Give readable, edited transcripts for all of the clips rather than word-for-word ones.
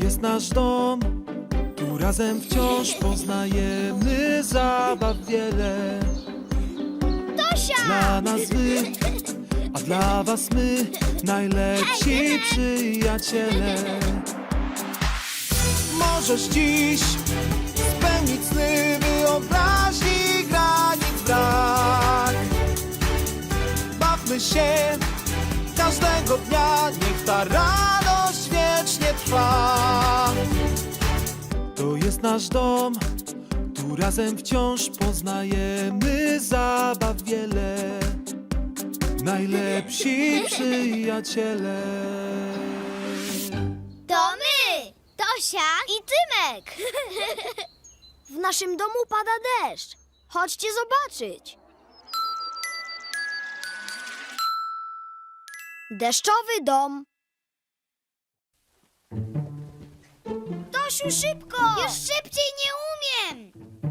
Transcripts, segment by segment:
jest nasz dom, tu razem wciąż poznajemy zabaw wiele. Tosia! Dla nas wy, a dla was my, najlepsi przyjaciele. Możesz dziś spełnić sny wyobraźni, granic brak. Bawmy się każdego dnia, niech ta radość wiecznie trwa. To jest nasz dom, tu razem wciąż poznajemy zabaw wiele. Najlepsi przyjaciele. To my! Tosia i Tymek! W naszym domu pada deszcz. Chodźcie zobaczyć. Deszczowy dom. Tosiu, szybko! Już szybciej nie umiem!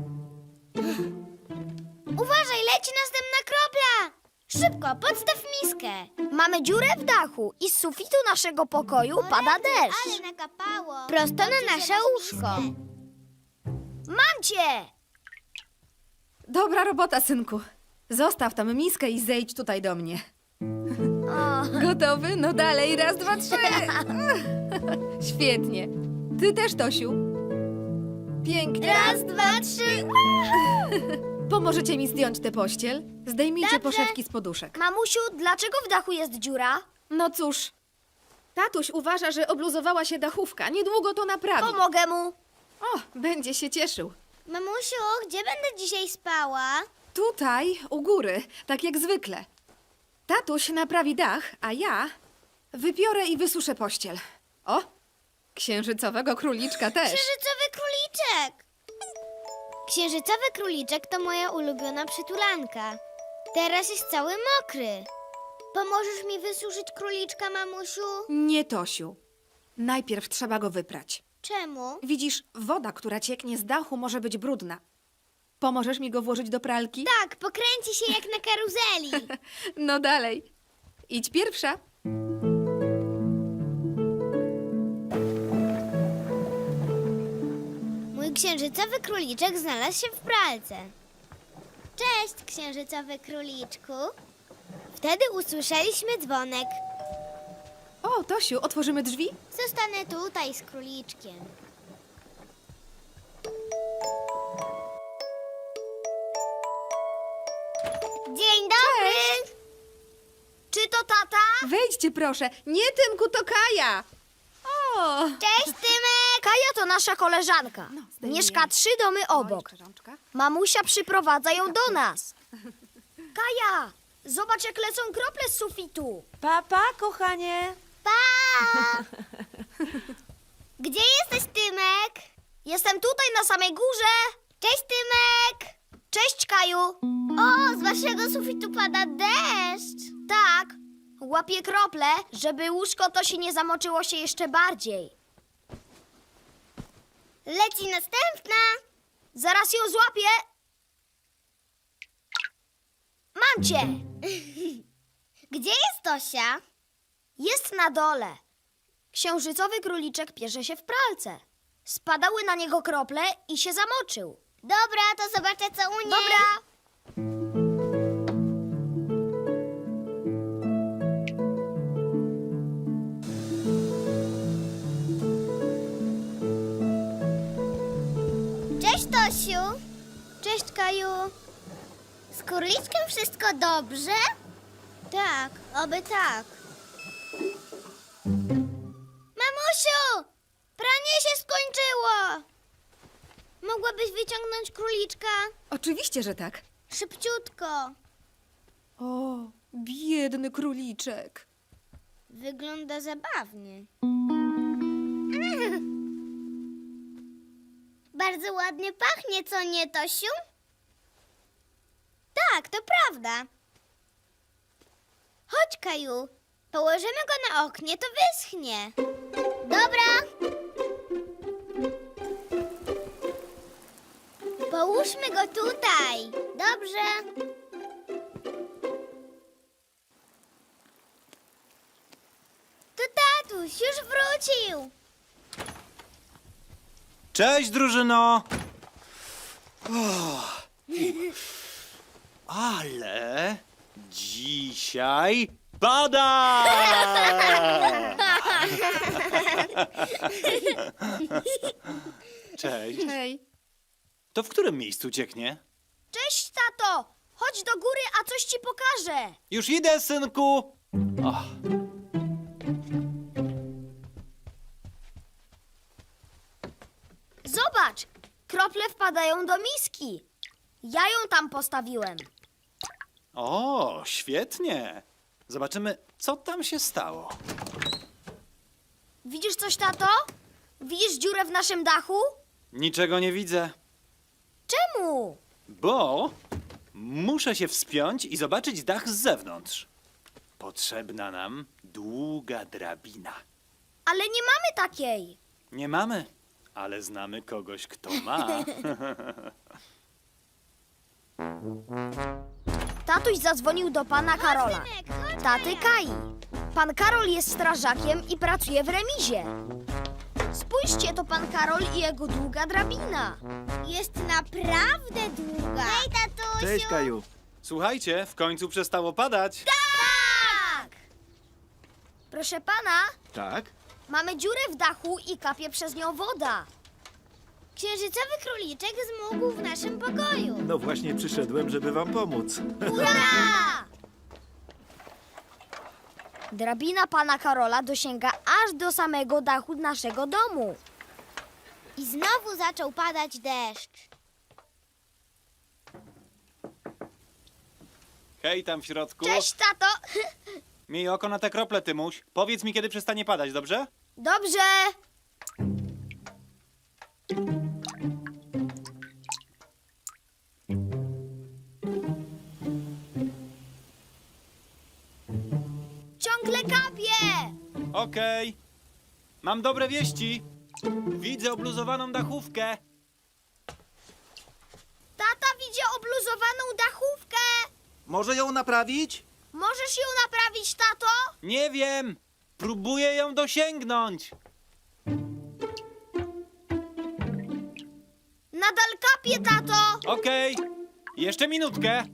Uważaj, leci następna kropla! Szybko, podstaw miskę. Mamy dziurę w dachu i z sufitu naszego pokoju pada deszcz. Ale nakapało. Prosto na nasze łóżko. Mam cię! Dobra robota, synku. Zostaw tam miskę i zejdź tutaj do mnie. Gotowy? No dalej, raz, dwa, trzy. Świetnie. Ty też, Tosiu. Pięknie. Raz, dwa, trzy. Pomożecie mi zdjąć tę pościel? Zdejmijcie Dobrze. poszewki z poduszek. Mamusiu, dlaczego w dachu jest dziura? No cóż, tatuś uważa, że obluzowała się dachówka. Niedługo to naprawi. Pomogę mu. O, będzie się cieszył. Mamusiu, gdzie będę dzisiaj spała? Tutaj, u góry, tak jak zwykle. Tatuś naprawi dach, a ja wypiorę i wysuszę pościel. O, księżycowego króliczka też. Księżycowy króliczek! Księżycowy króliczek to moja ulubiona przytulanka. Teraz jest cały mokry. Pomożesz mi wysuszyć króliczka, mamusiu? Nie, Tosiu. Najpierw trzeba go wyprać. Czemu? Widzisz, woda, która cieknie z dachu, może być brudna. Pomożesz mi go włożyć do pralki? Tak, pokręci się jak na karuzeli. No dalej. Idź pierwsza. Mój księżycowy króliczek znalazł się w pralce. Cześć, księżycowy króliczku. Wtedy usłyszeliśmy dzwonek. O, Tosiu, otworzymy drzwi? Zostanę tutaj z króliczkiem. Dzień dobry! Czy to tata? Wejdźcie, proszę. Nie, Tymku, to Kaja. O! Cześć, Tymek! Kaja to nasza koleżanka. zdejmij Mieszka jej. 3 domy obok. jeszcze rączka. Mamusia przyprowadza ją do nas. Kaja, zobacz jak lecą krople z sufitu. Papa, kochanie. Pa! Gdzie jesteś, Tymek? Jestem tutaj na samej górze. Cześć, Tymek! Cześć, Kaju. O, z waszego sufitu pada deszcz. Tak, łapię krople, żeby łóżko to się nie zamoczyło się jeszcze bardziej. Leci następna. Zaraz ją złapię. Mam cię. Gdzie jest Tosia? Jest na dole. Księżycowy króliczek pierze się w pralce. Spadały na niego krople i się zamoczył. Dobra, to zobaczę, co u niej. Dobra. Cześć, Tosiu. Cześć, Kaju. Z króliczkiem wszystko dobrze? Tak, oby tak. Mamusiu! Pranie się skończyło! Mogłabyś wyciągnąć króliczka? Oczywiście, że tak. Szybciutko. O, biedny króliczek. Wygląda zabawnie. Bardzo ładnie pachnie, co nie, Tosiu? Tak, to prawda. Chodź, Kaju. Położymy go na oknie, to wyschnie. Dobra. Połóżmy go tutaj. Dobrze. To tatuś już wrócił. Cześć, drużyno! Ale dzisiaj pada! Cześć. Hej. To w którym miejscu cieknie? Cześć, tato! Chodź do góry, a coś ci pokażę. Już idę, synku! Ach. Zobacz, krople wpadają do miski. Ja ją tam postawiłem. O, świetnie! Zobaczymy, co tam się stało. Widzisz coś, tato? Widzisz dziurę w naszym dachu? Niczego nie widzę, Czemu? bo muszę się wspiąć i zobaczyć dach z zewnątrz. Potrzebna nam długa drabina. Ale nie mamy takiej. Nie mamy, ale znamy kogoś, kto ma. Tatuś zadzwonił do pana Karola. Taty Kai. Pan Karol jest strażakiem i pracuje w remizie. Spójrzcie, to pan Karol i jego długa drabina. Jest naprawdę długa. Hej, tatusiu! Cześć, Kaju. Słuchajcie, w końcu przestało padać. Tak! Proszę pana, Tak? mamy dziurę w dachu i kapie przez nią woda. Księżycowy króliczek zmógł w naszym pokoju. No właśnie przyszedłem, żeby wam pomóc. Hurra! Drabina pana Karola dosięga aż do samego dachu naszego domu. I znowu zaczął padać deszcz. Hej, tam w środku. Cześć, tato! Miej oko na te krople, Tymuś. Powiedz mi, kiedy przestanie padać, dobrze? Dobrze. Ciągle kapie! Okej. Mam dobre wieści. Widzę obluzowaną dachówkę. Tata widzi obluzowaną dachówkę. Może ją naprawić? Możesz ją naprawić, tato? Nie wiem. Próbuję ją dosięgnąć. Nadal kapie, tato. Okej. Jeszcze minutkę.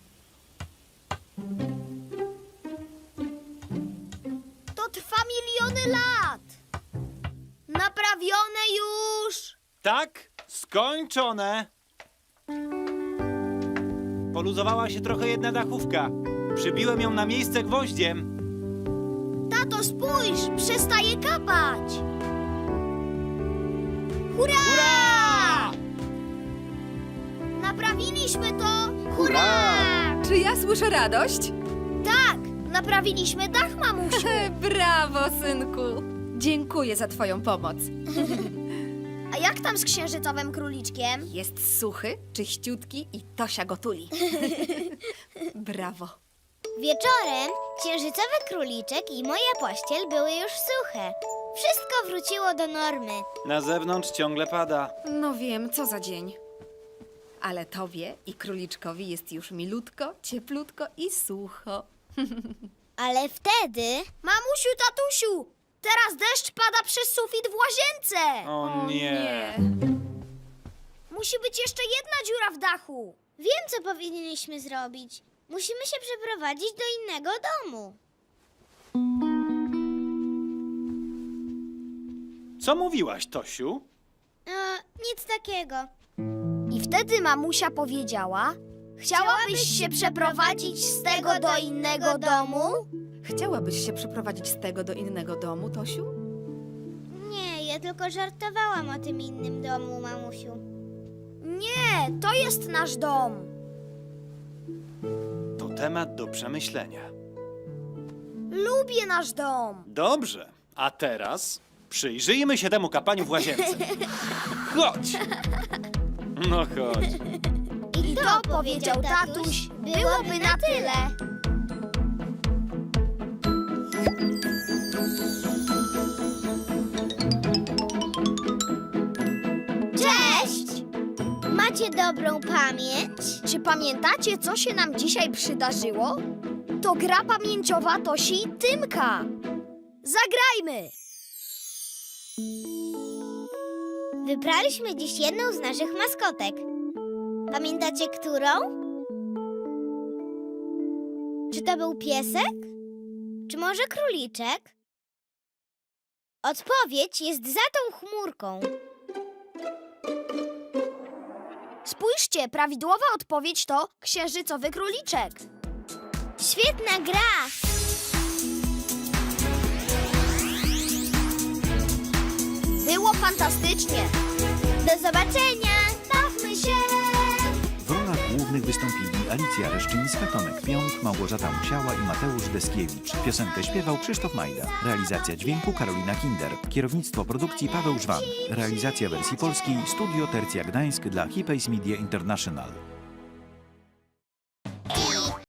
To trwa miliony lat. Naprawione już. Tak, skończone. Poluzowała się trochę jedna dachówka. Przybiłem ją na miejsce gwoździem. Tato, spójrz, przestaje kapać. Hurra! Hurra! Naprawiliśmy to. Hurra! Czy ja słyszę radość? Tak, naprawiliśmy dach, mamusiu. Brawo, synku. Dziękuję za twoją pomoc. A jak tam z księżycowym króliczkiem? Jest suchy, czyściutki i Tosia go tuli. Brawo. Wieczorem księżycowy króliczek i moja pościel były już suche. Wszystko wróciło do normy. Na zewnątrz ciągle pada. No wiem, co za dzień. Ale tobie i króliczkowi jest już milutko, cieplutko i sucho. Ale wtedy Mamusiu, tatusiu, teraz deszcz pada przez sufit w łazience. O nie. Musi być jeszcze jedna dziura w dachu. wiem, co powinniśmy zrobić. Musimy się przeprowadzić do innego domu. Co mówiłaś, Tosiu? Nic takiego. I wtedy mamusia powiedziała: Chciałabyś się przeprowadzić z tego do innego domu? Chciałabyś się przeprowadzić z tego do innego domu, Tosiu? Nie, ja tylko żartowałam o tym innym domu, mamusiu. Nie, to jest nasz dom. To temat do przemyślenia. Lubię nasz dom. Dobrze, a teraz przyjrzyjmy się temu kapaniu w łazience. Chodź! No chodź. I to, powiedział tatuś, byłoby na tyle. Cześć! Macie dobrą pamięć? Czy pamiętacie, co się nam dzisiaj przydarzyło? To gra pamięciowa Tosi i Tymka. Zagrajmy! Wybraliśmy dziś jedną z naszych maskotek. Pamiętacie, którą? Czy to był piesek? Czy może króliczek? Odpowiedź jest za tą chmurką. Spójrzcie, prawidłowa odpowiedź to księżycowy króliczek. Świetna gra! Było fantastycznie. Do zobaczenia! Bawmy się! W rolach głównych wystąpili Alicja Reszczyńska, Tomek Pionk, Małgorzata Musiała i Mateusz Deskiewicz. Piosenkę śpiewał Krzysztof Majda. Realizacja dźwięku Karolina Kinder. Kierownictwo produkcji Paweł Żwan. Realizacja wersji polskiej Studio Tercja Gdańsk dla Hipays Media International.